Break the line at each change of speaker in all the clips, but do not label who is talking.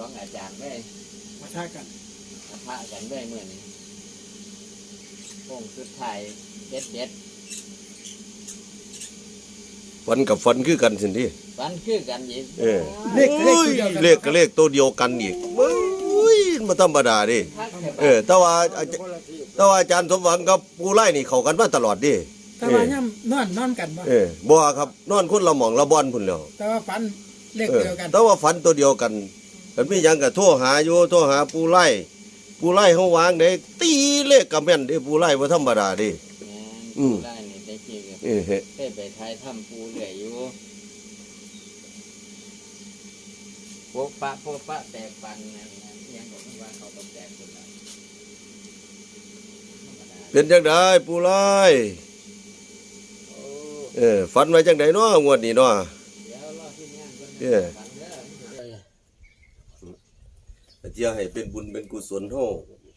ของอาจารย์ได้
มาทากัน
พระกันได้เมื่อนี้โค้งสุดท้ายเด็ด
ฟันกับฟันคือกันสิที่
ฟันคือกันอีก
เลขกับเลขตัวเดียวกันอีกมาธรรมดาดิแต่ว่าอาจารย์สมหวังกับปูไล่นี่เข้ากันมาตลอดดิ
แต่ว่าย่ำนอนกัน
บ่ครับนอนคนละหม่องละบ่อนพุ่นแล้ว
แต่ว่าฝันเลขเดียวกัน
แต่ว่าฝันตัวเดียวกันมันมีหยังก็โทรหาอยู่โทรหาปูไล่เฮาวางได้ตีเลขกับแม่นเด้ปูไล่บ่ธรรมดาดิ
ปูไล่นี่ได้กี่เคยไปท้ายถ้ำปูเหลื่อยอยู่โป๊ะปะแตกปันนั่นยังบอกว่าเขาต้องแตกคนละ
เป็นจังได๋ปูไล่ฝันไว้จังได๋เนาะงวดนี้เนาะ
เดี๋ยวรอที่งานก่อน
เดี๋ยวให้เป็นบุญเป็นกุศลเฮา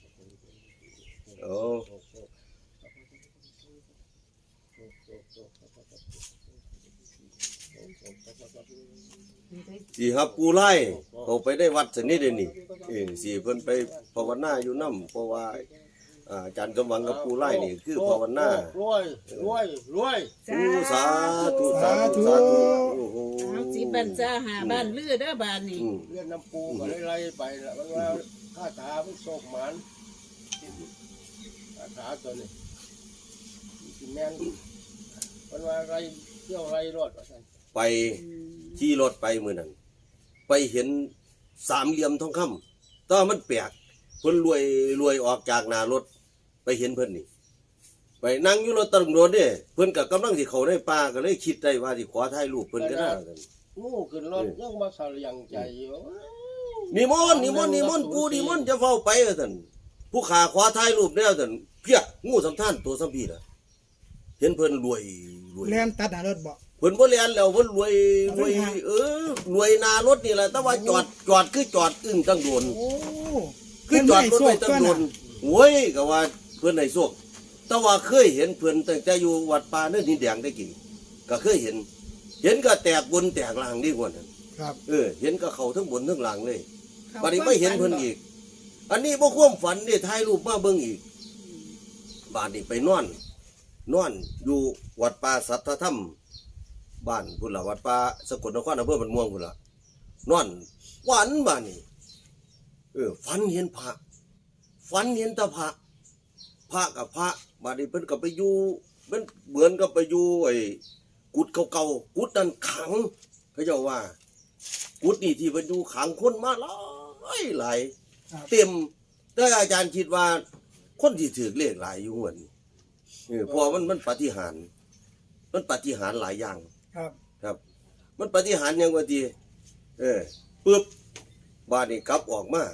สิครับปูไล่เขาไปได้วัดสนิทเด้นี่สิเพิ่นไปภาวนาอยู่นำเพราะว่าอาจารย์สมหวังกับปูไล่นี่คือภาวนารวยสาธุโอ้โห
เอาสิบันจ้าหาบ้านลือเด้อบ้านนี่
เรียนน้ำปูก็ไล่ไปแล้วมันว่าข้าถามันโศกหมันข้าถาตัวนี้กินแมงมันว่าไรเที่ยวไรรถ
ไปขี่รถไปมื้อนั้นไปเห็นสามเหลี่ยมทองคำแต่มันแปลกเพิ่นรวยออกจากหน้ารถไปเห็นเพิ่นนี่ไปนั่งอยู่รถตำรวจนี่เพิ่นก็กำลังสิเข้าในป่าก็เลยคิดได้ว่าสิขอถ่ายรูปเพิ่นก็ได้กัน
งูขึ้นรถยังมาสะเลียงใจอยู่
นิมนต์ปูนิมนต์จะเฝ้าไปว่าซั่นผู้ขาขอถ่ายรูปแล้วซั่นเพียงูสำท่านตัวสัมพีน่ะเห็นเพิ่นรวย
แล่นตัดหน้ารถบ่
เพิ่นบ่แล่นแล้วเพิ่นรวยรวยหน้ารถนี่แหละแต่ว่าจอดคือจอดอึ้งตั้งโดนคือจอดรถไว้ตั้งโดนโว้ยก็ว่าเพิ่นให้โชคแต่ว่าเคยเห็นเพิ่นตั้งแต่อยู่วัดป่าเนินดินแดงได้กี่ก็เคยเห็นก็แตกบนแตกล่างนี่กว่านั้น
ครับ
เห็นก็เข้าทั้งบนทั้งล่างเลยบัดนี้ไม่เห็นเพิ่นอีกอันนี้บ่ความฝันนี่ถ่ายรูปมาเบิ่งอีกบาดนี้ไปนอนอยู่วัดป่าสัทธธรรมบ้านพุ่นล่ะวัดป่าสกลนครอำเภอบ้านม่วงพุ่นล่ะนอนฝันบาดนี้ฝันเห็นพระฝันเห็นตาพระกับพระบาดนี้เพิ่นก็ไปอยู่มันเหมือนกับไปอยู่ไอ้กุดเก่าๆกุดนั้นขังเขาเจ้าว่ากุดนี่ที่เพิ่นอยู่ขังคนมาหลายเต็มแต่อาจารย์คิดว่าคนที่ถือเลขหลายอยู่หัวนี่เพราะมันปาฏิหาริย์หลายอย่างครับมันปาฏิหาริย์ยังว่าที่ปึ๊บบาดนี้กลับออกมา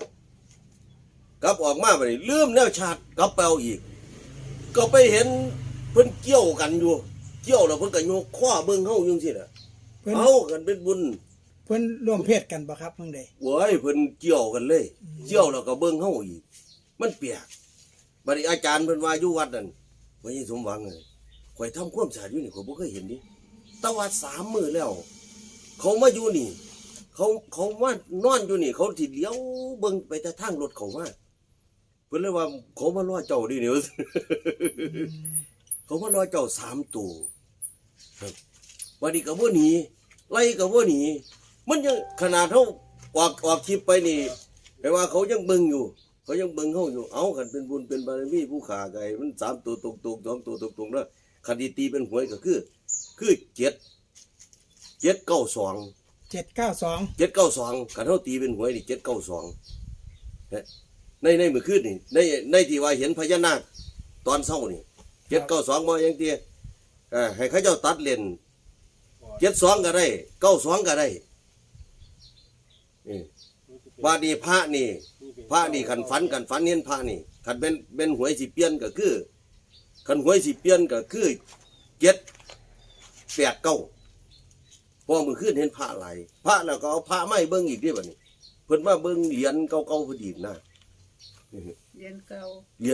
บัดนี้ลืมแนวชาติกลับไปเอาอีกก็ไปเห็นเพิ่นเกี่ยวกันอยู่แล้วเพิ่นก็โยกข้อเบิ่งเฮาอยู่จังซี่น่ะเอากันเป็นบุญ
เพิ่นร่วมเพศกันบ่ครับเพิ่นได้
โว้ยเพิ่นเกี่ยวกันเลยแล้วก็เบิ่งเฮาอีกมันเปียกบัดนี้อาจารย์เพิ่นว่าอยู่วัดนั่นบ่ยังสมหวังเลยข่อยทำความสะอาดอยู่นี่ข่อยบ่เคยเห็นดิแต่ว่า3 มื้อแล้วเขามาอยู่นี่เขามานอนอยู่นี่เขาสิเลี้ยวเบิ่งไปแต่ทางรถเขามาเพิ่นเลยว่าเขามารอเจ้าดิเนี่ยเขามารอเจ้า3 ตัวครับวันนี้ก็บ่หนีไล่ก็บ่หนีมันยังขนาดเฮาออกคลิปไปนี่แปลว่าเขายังเบิ่งอยู่เฮาอยู่เอาคันเป็นบุญเป็นบารมีผู้ขาไก่มัน3 ตัวตรงๆ2 ตัวตรงๆแล้วคันตีเป็นหวยก็คือ792คันเฮาตีเป็นหวยนี่792ในมื้อคืนนี่ในที่ว่าเห็นพญานาคตอนเช้านี่792บ่ยังเตี้ยให้เขาเจ้าตัดเล่น72ก็ได้92ก็ได้บาดนี้พระนี่คันฝันเห็นพระนี่คันเป็นหวยสิเปลี่ยนก็คือคันหวยสิเปลี่ยนก็คือ789พอมื้อคืนเห็นพระหลายพระแล้วก็เอาพระไม้เบิ่งอีกเด้บัดนี้เพิ่นมาเบิ่งเหรียญเก่าๆพอดีนะ
เหรียญเก่า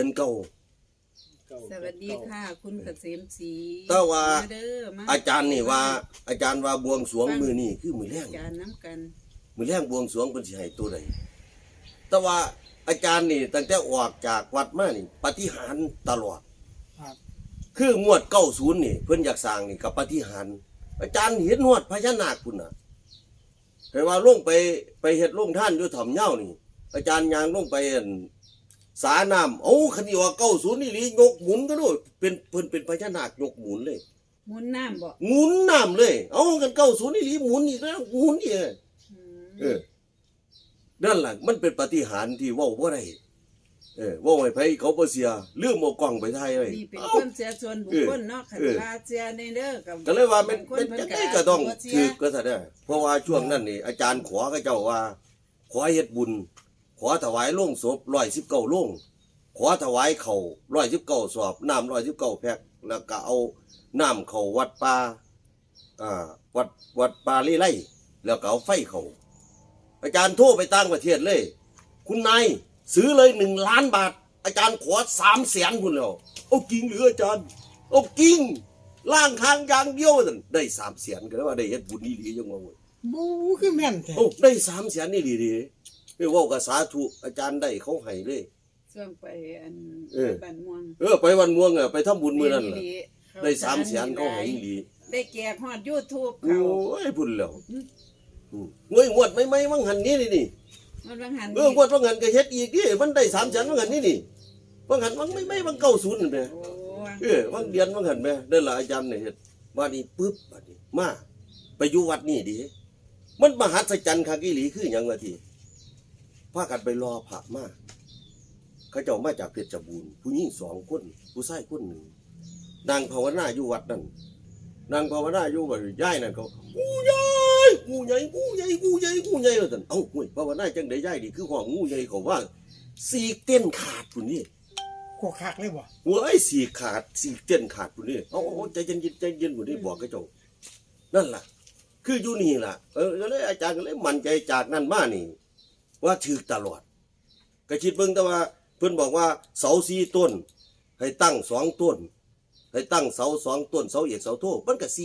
สวัสดีค่ะคุณเกษมศรี
แต่ว่าอาจารย์ว่าบวงสรวงมื้อนี้คือมื้อแรง
อาจารย์น้ำกัน
มื้อแรงบวงสรวงเพิ่นสิให้ตัวใดแต่ว่าอาจารย์นี่ตั้งแต่ออกจากวัดมานี่ปาฏิหาริย์ตลอด
ครับ
คืองวด90นี่เพิ่นอยากสร้างนี่กับปาฏิหาริย์อาจารย์เห็นฮอดพญานาคพุ่นน่ะแต่ว่าลงไปเฮ็ดโรงท่านอยู่ถ่อมเหย้านี่ อาจารย์ยางลงไปอั่นสาน้ำเอาคันนี้ว่า90นี่หลียกหมุนก็ด้วยเป็นเพิ่นเป็นพญานาคยกหมุนเลย
หมุนน้ำบ่
หมุนน้ำเลย เอากัน90นี่หลีหมุนอีกแล้วหมุนอีก
อืม
นั่นล่ะมันเป็นปาฏิหาริย์ที่เว้าบ่ได้เว้าให้ไผเขาบ่เสียลืมเอากล้องไปถ่ายไว้
นี่เป็น
เอ้า
ความเสียส่วนบุคคลเนาะคันว่าเสียในเด้อกับ
ก็เลยว่ามัน
บงค
เป็น
เพิ่
จังได๋ก็ต้อง
บ่เสีย
ถูกก็ซะเด้อเพราะว่าช่วงนั้นนี่อาจารย์ขอกับเจ้าว่าขอเฮ็ดบุญ ขอถวายโลงศพ119โลงขอถวายข้าว119สอบน้ำ119แพ็คแล้วก็เอาน้ำเข้าวัดป่าวัดป่าลีไล่แล้วก็เอาไฟเข้าอาจารย์โทรไปต่างประเทศเลย คุณนายซื้อเลย1 ล้านบาท อาจารย์ขอ300,000พุ่นแล้วเอาจริงหรืออาจารย์เอาจริงล่างทางอย่างเดียวนั่นได้300,000ก็เลยว่าได้เฮ็ดบุญนี่ดีจังว่าเว้ย
บูคือแม่นแท้
โอ้ได้300,000นี่ดีๆเว้ากับสาธุอาจารย์ได้เขาให้เลย
ส่วนไปอัน
เออ
บ้านม่วง
ไปวันม่วงไปทำบุญมื้อนั้นล่ะ
ดี
ได้300,000เขาให้อีหลี
ได้แจกฮอด YouTube
โอ้
เขา
ยพุ่นแล้วเว้ยงวดไม่วังหันนี้นี่
มันบางหัน
งวดวังหันก็เฮ็ดอีกดิมันได้300,000วังหันนี่วังหันวังไม่วัง90นั่นแหละ
โอ้
วังเดือนวังหันแม่นั่นล่ะอาจารย์เนี่ยเฮ็ดว่านี่ปึ๊บบัดนี้มาไปอยู่วัดนี่ดิมันมหัศจรรย์คักอีหลีคือหยังว่าที่พากันไปรอพระมาเขาเจ้ามาจากเพชรบูรณ์ผู้หญิง2คนผู้ชายคนหนึ่งนางภาวนาอยู่วัดนั่นนางภาวนาอยู่ว่าย้ายนั่นเขางูใหญ่งูใหญ่งูใหญ่งูใหญ่งูใหญ่ว่าซั่นเอ้าเฮ้ยภาวนาจังได๋ย้ายนี่คือห้องงูใหญ่เขาว่าสีกเต้นขาดพุ่นนี่
โคคักเลยบ่
หัวไอ้สีขาดสีเต้นขาดพุ่นนี่เอาใจเย็นพุ่นนี่บอกเขาเจ้านั่นล่ะ คืออยู่นี่ล่ะก็เลยอาจารย์ก็เลยมั่นใจจากนั้นมานี่ ว่าถูกตลอดก็คิดเบิ่งแต่ว่าเพิ่นบอกว่าเสา4ต้น ให้ตั้ง2ต้น ให้ตั้งเสา2ต้นเสาเอกเสาโทมันก็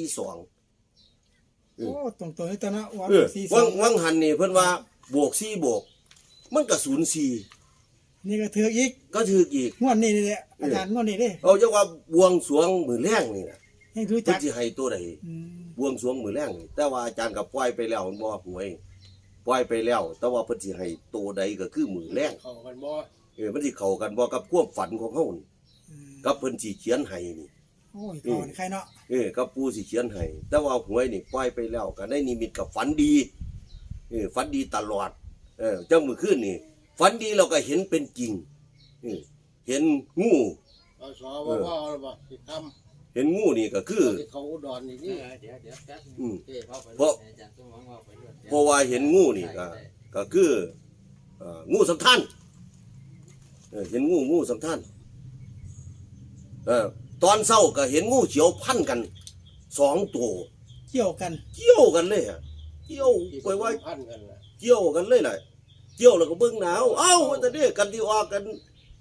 42
โอ้ตรงๆนี่ตอนนั้นว่า
วัง
42
วังหันนี่เพิ่นว่าบวก4บวกมันก็04
นี่ก็ถืออีก
ก็ถูกอีก
งวดนี้นี่แหละอาจารย์งวดนี้เด้
เอาจังว่าบวงสรวงมื้อแรงนี่น่ะ
ให้รู้
เพิ่
จั
น
ก
สิให้ตัวใด
อืม
บวงสรวงมื้อแรงนี่แต่ว่าอาจารย์ก็ปล่อยไปแล้วมันบ่หวยปล่อยไปแล้ว แต่ว่าเพิ่นสิให้ตัวใดก็คือมื้อแรง
เข้ากันบ่
มันสิเข้ากันบ่กับความฝันของเฮานี่
อืม
กับเพิ่นสิเขียนให้นี่
โอ้ยก่อนใครเนาะ
กับปู่สิเขียนให้แต่ว่าหวยนี่ปล่อยไปแล้วก็ได้นิมิตกับฝันดีฝันดีตลอดจังมื้อคืนนี่ฝันดีเราก็เห็นเป็นจริงเห็นงู
เอาสอว่าแล้วบ่สิทำ
เห็นงูนี่ก็คือ
ที่เขาอุดรนี่
เอ
นี่
อเดี๋ยวแป๊บนึง
อืม
เอ้เข้าไป
เพราะ
อาจารย์สมหวังว่าไปด้วย
เพราะว่าเห็นงูนี่ก็คืองูสำคัญเห็นงูสำคัญตอนเช้าก็เห็นงูเขียวพันกัน2ตัว
เกี่ยวกัน
เกี่ยวกันเลยเกี่ยว
ที่
ไปว่า
พันกันน่ะ
เกี่ยวกันเลยแหละเกี่ยวแล้วก็เบิ่งหนาวเอ้าว่าแต่เนี่ยกันที่ออกกัน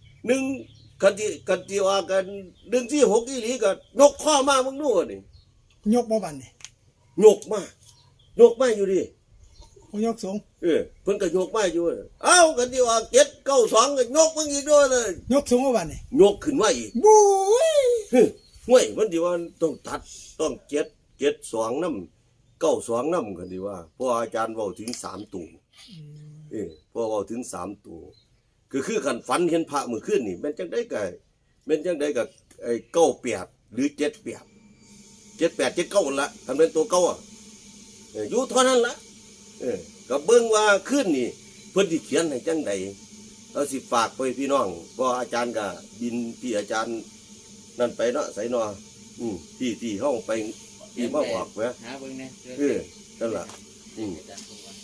กันที่ออกกัน146อีหลีก็นกข้อมามึงนู่นนี่
ยกบ่บันนี่
ยกมาอยู่ดิ
บ่ยกสูง
เพิ่นก็ยกมาอยู่เอ้ากันที่ออก792ก็ยกมึงอีกด้วยเลย
ยกสูงบ่บันนี่
ยกขึ้นมาอีก
บู๊ย
ห้วยมันดีว่าต้องตัดต้อง772นำ92นำกันดีว่าเพราะอาจารย์เว้าถึง3ตัวเพราะเว้าถึง3ตัวคือคันฝันเห็นพระมื้อคืนนี่แม่นจังได๋ก็แม่นจังได๋ก็ไอ้98หรือ78 79ละทำเป็นตัวเก่าอยู่เท่านั้นละก็เบิ่งว่าคืนนี่เพิ่นสิเขียนให้จังได๋เอาสิฝากไปพี่น้องก็อาจารย์ก็บินที่อาจารย์นั่นไปเนาะไสเนาะที่เฮาไปที่มาบอกแหม
หาเบิ่งแน่
นั่นล่ะ
อาจารย์สมหวัง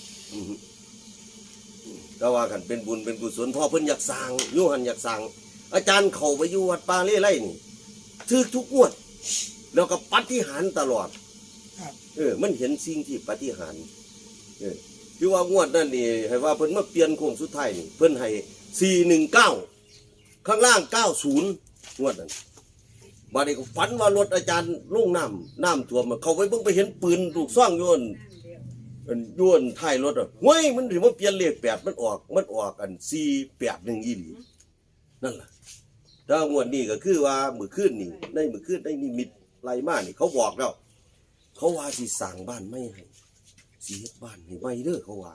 ก็ว่ากันเป็นบุญเป็นกุศลพ่อเพิ่นอยากสร้างอยู่หันอยากสร้างอาจารย์เข้าไปอยู่วัดป่าเล่ไร่นี่ถูกทุกงวด แล้วก็ปาฏิหาริย์ตลอด
ครับ
มันเห็นสิ่งที่ปาฏิหาริย์คือว่างวดนั่นนี่ให้ว่าเพิ่นมาเปลี่ยนโค้งสุดท้ายนี่เพิ่นให้419ข้างล่าง90งวดนั้นบัดนี้ก็ฝันว่ารถอาจารย์ลงน้ำท่วมเข้าไปเบิ่งไปเห็นปืนลูกซ่องอยู่นั่นมันย้วนท้ายรถอ่ะเฮ้ยมันสิมาเปลี่ยนเลข8มันออกอัน481อีหลีนั่นล่ะถ้างวดนี้ก็คือว่ามื้อคืนนี่ในมื้อคืนได้นิมิตไล่มานี่เขาบอกแล้วเขาว่าสิสร้างบ้านไม่ให้สิเฮ็ดบ้านให้ใหม่เด้อเขาว่า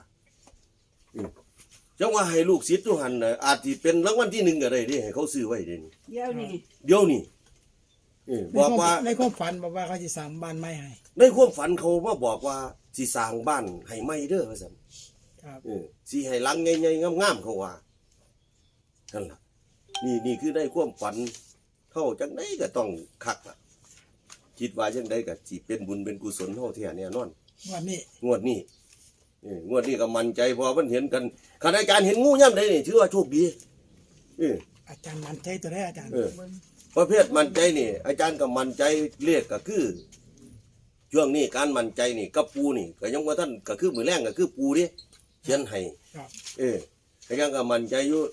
จังว่าให้ลูกศิษย์อยู่หั่นน่ะอาจสิเป็นรางวัลที่1ก็ได้เด้ให้เขาซื้อไว้เด้นี่
เดี๋ยวนี้
เดี๋ยวนี้บอกว่า
ในความฝันบอกว่าเขาจะสร้างบ้านไม้ให้
ในความฝันเขามาบอกว่าสิสร้างบ้านให้ใหม่เด้อว่าซั่น
ครับ
สิให้หลังใหญ่ๆงามๆเขาว่านั่นล่ะนี่คือได้ความฝันเฮาจังได๋ก็ต้องคักล่ะคิดว่าจังได๋ก็สิเป็นบุญเป็นกุศลเฮาแท้แน่นอน
วันนี้
งวดนี้งวดนี้ก็มั่นใจเพอมันเห็นกันขณะการเห็นงูย่ำใดนี่ถือว่าโชคดี
อาจารย์มั่นใจตัวได้อาจารย์
ประเภทมั่นใจนี่ อาจารย์ก็มั่นใจเลขก็คือช่วงนี้การมั่นใจนี่กับปูนี่ก็ยังว่าท่านก็คือมือแรงก็คือปูดิเขียนให้
ครับ
อาจารย์ก็มั่นใจอยู่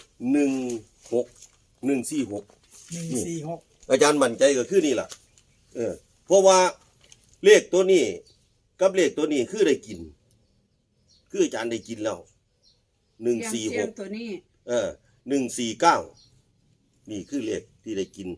146
146
อาจารย์มั่นใจก็คือนี่ล่ะเพราะว่าเลขตัวนี้กับเลขตัวนี้คือได้กิน คืออาจารย์ได้กินแล้ว
เสียง
146
ตัวนี้
149นี่คือเลขที่ได้กิน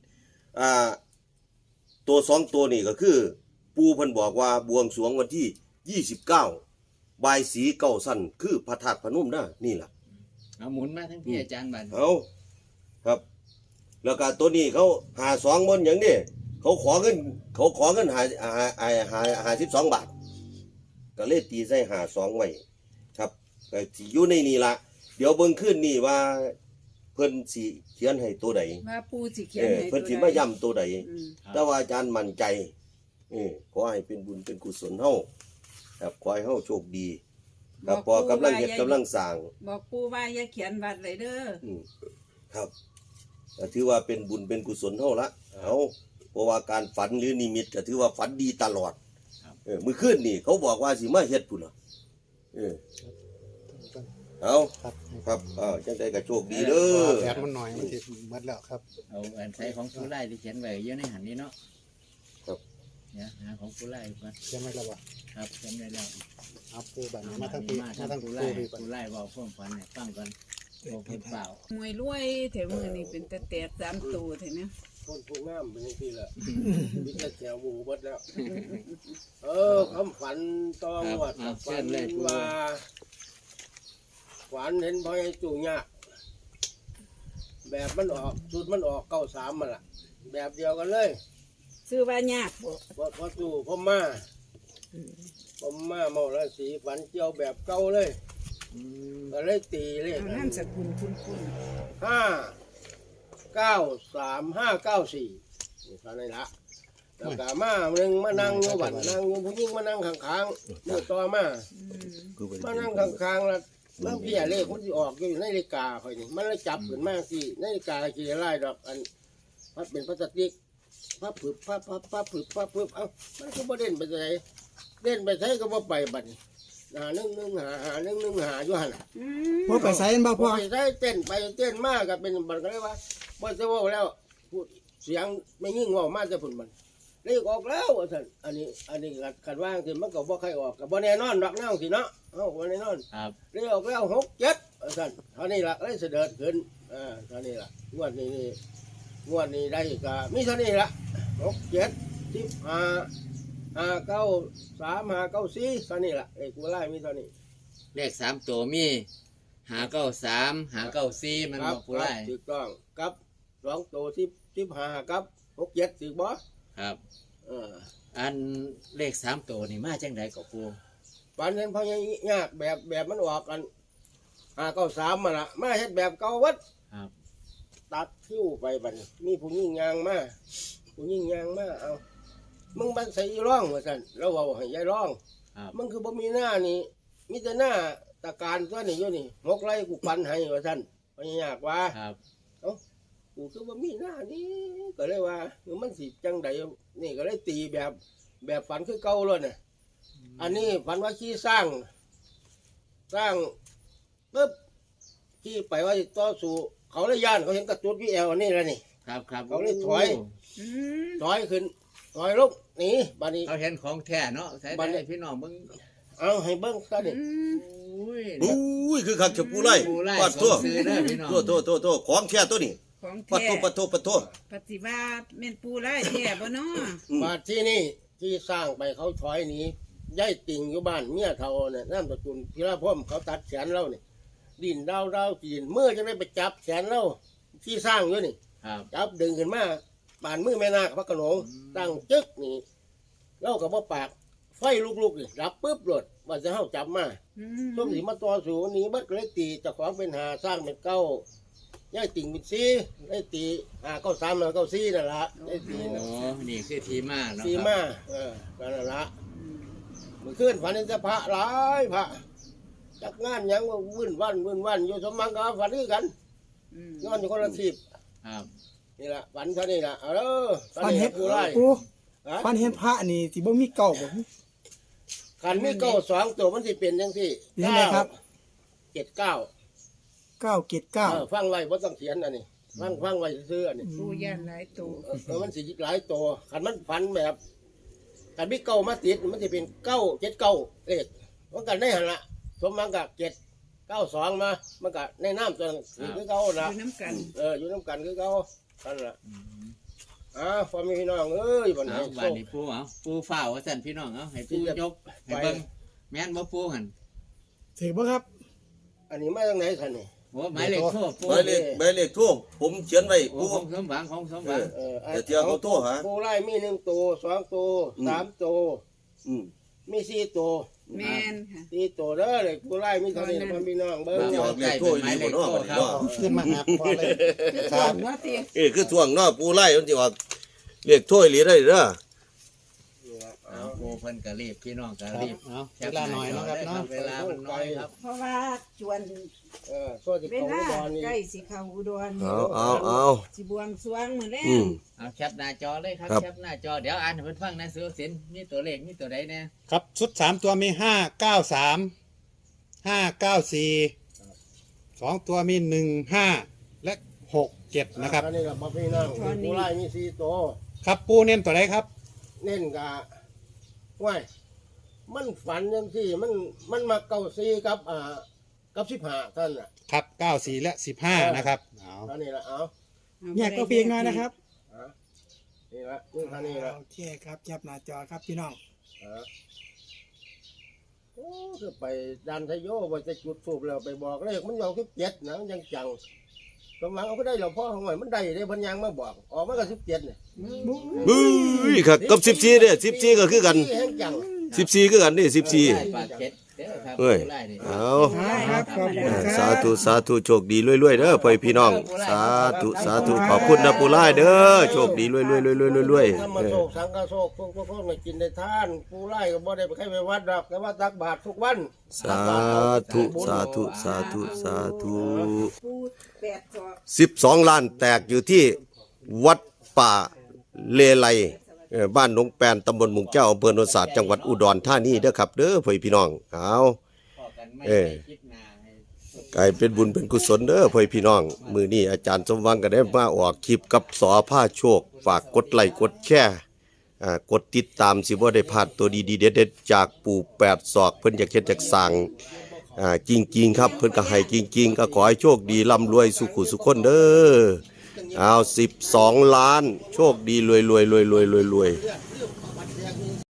ตัว2ตัวนี่ก็คือ ปูเพิ่นบอกว่าบวงสรวงวันที่29บายสีเก้าสั้นคือพระธาตุพนมนะนี่ล่ะ
เอาหมุนมาทั้งพี่อาจารย์บัด
เอาครับ แล้วก็ตัวนี้เขาหา2บนอย่างนี้เขาขอเงินหา12 บาทก็เลยตีใส่หา2ไว้ครับก็สิอยู่ในนี่ล่ะเดี๋ยวเบิ่งขึ้นนี่ว่าเพิ่นสิเขียนให้ตัวใด
ว่าปูสิเขียนให้
เพิ่นสิมาย้ำตัวใด
อืม
แต่ว่าอาจารย์มั่นใจขอให้เป็นบุญเป็นกุศลเฮาครับขอให้เฮาโชคดีครับพอกำลังเฮ็ดกำลังสร้าง
บอกปูว่าอย่าเขียนวัดเลยเด้อ
ครับก็ถือว่าเป็นบุญเป็นกุศลเฮาละเอาเพราะว่าการฝันหรือนิมิตก็ถือว่าฝันดีตลอดมื้อคืนนี่เขาบอกว่าสิมาเฮ็ดพุ่นล่ะเอาครับจังได๋ก็โชคดีเด้อ
แอดมันหน่อยมันสิหมดแล้วครับ
เอาอันใช้ของผู้ไล่ที่เขียนไว้เยอะในหันนี้เนาะ
ครับ
เนี่ยหาของผู้ไล่ก่อน
เขียนไว้แล้วบ่
ครับเขียนไว้แล้ว
เอาปูบัดนี้
มา
มา
ทั้
ทั้
ง
ง
ปี
ปี
มา
มา
ทั้
ทั้
ง
ง
ผู้
ปู
ไล่
พี่ก่อน
ผู้ไล่บอกพ่วงฝันให้ฟังก่อนโอ้เพิ่นเปล่าม
วยรวยแถวมือนี่เป็นแต่แตก3ตัวเท่านี้
คนผู้งามเป็นจังซี่ล่ะมีแต่แถวหมู่เบิดแล้ว คำฝันตองวดฝันว่าฝันเห็นพ่อใหญ่จู่ยากแบบมันออกชุดมันออก93มันล่ะ แบบเดียวกันเลย
ซื้อว่ายากบ่
พอจู่พ่อมาเมาแล้วสีฝันเจียวแบบเก่าเลยก็เลยตีเลย
เอานามสกุลคุณ
593-594นี่เท่านั้นละแล้วก็มาหนึ่งมานั่งอยู่บัดนั่งอยู่ผู้หญิงมานั่งข้างๆมือต่อมานั่งข้างๆแล้วบางทีเลขมันสิออกอยู่ในนาฬิกาค่อยนี่มันเลยจับขึ้นมาสินาฬิกากี่ไล่ดอกอันพัดเป็นพลาสติกพับผึบพับเอ้ามันก็บ่เด่นไปไหนเด่นไปไหนก็บ่ไปบัดนี้1 หาอยู่หั่นน่ะ
บ่ไปใส่บ่
พ
พ่
อ
อ
ไปได้เต้นไปเต้นมากก็เป็นบันก็เลยว่าบ่จะว่าแล้วพูดเสียงไม่ยิ่งว่ามาจะผุนมันเลขออกแล้วว่าซั่นอันนี้คันว่าสิมันก็บ่ใครออกก็บ่แน่นอนดอกน้องสิเนาะบ่แน่นอน
ครับ
เลขออกแล้ว6 7ว่าซั่นเท่านี้ล่ะเลยเสด็จขึ้นเท่านี้ล่ะงวดนี้ได้ก็มีเท่านี้ล่ะ6 7 15 5 9 3 5 9 4เท่านี้ล่ะไอ้กูไล่มีเท่านี้
เลข3ตัวมี593 594มันบอกผู้ไล่
ถูกต้องกับ2ตัว15กับ6 7ถูกบ่
ครับ
เออ
อันเลข3ตัวนี่มาจังไดก็ปู
ฝันเห็นพ่อใหญ่ยากแบบมันออกกัน593มาละมาเฮ็ดแบบเก่าวัด
ครับ
ตัดคิ้วไปบัดนี้มีผู้หญิงยางมาเอามึงบันใส่อีร่องว่าซั่นแล้วเว้าให้ยายร่อง
ครับ
มึงคือบ่มีหน้านี่มีแต่หน้าตะการตัวนี้อยู่นี่6ไร่กูปันให้ว่าซั่นพ่อใหญ่ยากว่า
ครับ
กูคือว่ามีหน้านี่ก็เลยว่ามันสิจังใดนี่ก็เลยตีแบบฝันคือเก่าเลยเนี่ยอันนี้ฝันว่าขี้สร้างปุ๊บขี้ไปว่าสิต่อสู้เขาเลยย่านเขาเห็นกระตุ้นพี่แอลอันนี้แล้วนี่
ครับครับ
เขาเลยถอย ถอยขึ้นถอยลงหนีบัดนี้
เขาเห็นของแท้เนาะใช้
บัดนี้
ได้พี่น้องมึง
เอาให้เบิ่งซะดิ
อุ้ย
อุ้ยคือคักจะปูไล่
ปูไล่
ปัด
ส
ตัว
มซื้อเด้อพี่น้อง
โตของแท้ตัวนี้
ของ
ปัด
แท้
โต
ปฏิบัติแม่นปูไล่แท้บ่เนาะ
มาที่นี่ที่สร้างไปเขาถอยหนีย้ายติ่งอยู่บ้านเมียเฒ่าเนี่ยน้ำตะกุลพิราพ่อมเขาตัดแขนเราเนี่ยดินดาวจีนเมื่อจะได้ไปจับแขนเราที่สร้างอยู่นี่
ครับ
จับดึงขึ้นมาบานมือแม่นาคพระโขนงตั้งจึกนี่เล่ากับว่าปากไฟลุกๆนี่รับปุ๊บหลดว่าจะเข้าจับมา
อื
ส้มสีมาต่อสูหนีบัดก็เลยตีเจากของเป็นหาสร้างเป็นเก้าย่ายติ่งเป็นซีได้ตีเก้าสามเก้าซีนั่นละได้ตี
โอ้
นะ
นี่คือทีมาเนาะ
ซี
ครับ
มานั่นละมันขึ้นฝันเห็นจะพระหลายพระจักงานหยังว่าวุ่นวันอยู่สมมังกับฝันด้วยกัน
อืม
นอนอยู่คนละทีบ
ครับ
นี่ละฝันเท่านี้ละฝั
ฟันเห็น
ผู้ไล่
ปูฟันเห็นพระนี่สิบ่มีเก่าบ่
ขันมีเก้าสองตัวมันสิเป็นยังที่
เป็นยังไงครับ
เจ็ดเก้า
979
ฟังไว้บ่ต้องเขียนอันนี้ฟังไว้ซื้ออันนี้
ปูย่านหลายตัว
มันสิหลายตัวขันมันฝันแบบขันมีเก้ามาติดมันจะเป็นเก้าเจ็ดเก้าเลขมันกันได้หันละสมมังกับ792มามันก็ในน้ำตัวนั้นคือเก้า
อ
ละ
ยู่น้ำกัน
อยู่น้ำกันคือเก้านั่นละพ่อแม่พี่น้องเอ้ยบัด
เอา
นี้
บาดนี้ปูเอาปูฝ้าวว่าสั่นพี่น้องเอาให้ปูยกให้เบิ่งแม่นบ่ปูหั่น
ถือบ่ครับ
อันนี้มาจากไหนคันนี่
โอ้หมายเลขโทรปู
หมายเลขทั่วผมเขียนไว้
โอ้
ปู
ของสมหวังของสมหวัง
แต่เที่ยวเขาโทรหา
ผู้ไล่มี1ตัว2ตัว3ตัว
อืม
มี4ตัว
แม่นค่ะ
4ตัวเด้อเลยผู้ไล่มีเท่านี้พ่อพี่น้องเบิ่ง
เดี๋ยวเลขทั่วอยู่บ่เนาะบัดนี้เนาะ
ขึ้นมาหาพ่อเลย
คือตอนว่าเตียง
คือท่วงเนาะปูไล่มันสิออกเลขทั่วอีหลีได้เด้อ
เอาปูเพิ่นก็รีบพี่น้องก็
ครับ
รีบ
เอาเวลาหน่อยเนาะครับเนาะ
เวลามันน้อยครับ
เพราะว่าจวน
โซ่ที่
เว
เขา
ลา
อุดรนี่
ใกล้สิเข้าอุดร
เอา
สิบวงสรวงมื้อแล
อื
ง
ม
เอาแคปหน้าจอเลยครับ
ครับ
แคปหน้าจอเดี๋ยวอ่านให้เพิ่นฟังนะสุสินมีตัวเลขมีตัวใดแน่
ครับชุด3ตัวมี593 594 2ตัวมี15และ67นะครับ
อันนี้กับพ่อพี่น้องผู้ไล่มี4ตัว
ครับปูเน้นตัวไหนครับ
เน้นกะว้ายมันฝันยังที่มันมาเก้าซีกับ15ท่านน่ะ
ครับ94และ15นะครับเอา
อันนี้ละเอา
แยกก็เพียงน้อยนะครับ
นี่ละนี่ท่านี้ละ
โอเคครับจับหน้าจอครับพี่น้อง
โอ้คือไปดันทโยว่าจะจุดสูบแล้วไปบอกเลขมันยาวคือ7นะมันยังจังกำลังเอาก็ได้หลวงพ่อของหน่อยมันได้ได้พันยังมาบอกออกมาก็17เนี่ย
บึ้ยครับกับ14เด้อ14ก็คือกัน
แห้งจัง
14คือกันนี่14
ปากเก็ดเด้อครับ
เอ้ย
ผู้ไล่นี่
เอา
ครับขอบคุณครับ
สาธุโชคดีรวยๆเด้อพ่อพี่น้อง สาธุขอบคุณนะปูไล่เด้อโชคดีรวยๆ
ถ้ามาโศกสังกะโศกพวกมากินได้ท่านผู้ไล่ก็บ่ได้ไปใครไปวัดดอกแต่ว่าตักบาตรทุกวัน
สาธุ
ปู8ศอก
12 ล้านแตกอยู่ที่วัดป่าเลไลบ้านหนองแปนตำบลหมุงแก้วอำเภอโนนสาดจังหวัดอุดรธานีเด้อครับเด้อพ่อพี่น้องเอา
พอกันไม่
เอ้ย
คิดหน้าให้
กลายเป็นบุญเป็นกุศลเด้อพ่อพี่น้องมื้อนี้อาจารย์สมหวังก็ได้มาออกคลิปกับสอผ้าโชคฝากกดไลค์กดแชร์กดติดตามสิบ่ได้พลาดตัวดีๆเด็ดๆจากปู่8ศอกเพิ่นอยากเฮ็ดอยากสร้างจริงๆครับเพิ่นก็ให้จริงๆก็ขอให้โชคดีร่ำรวยสุขุสุขคนเด้อเอา12 ล้านโชคดีรวย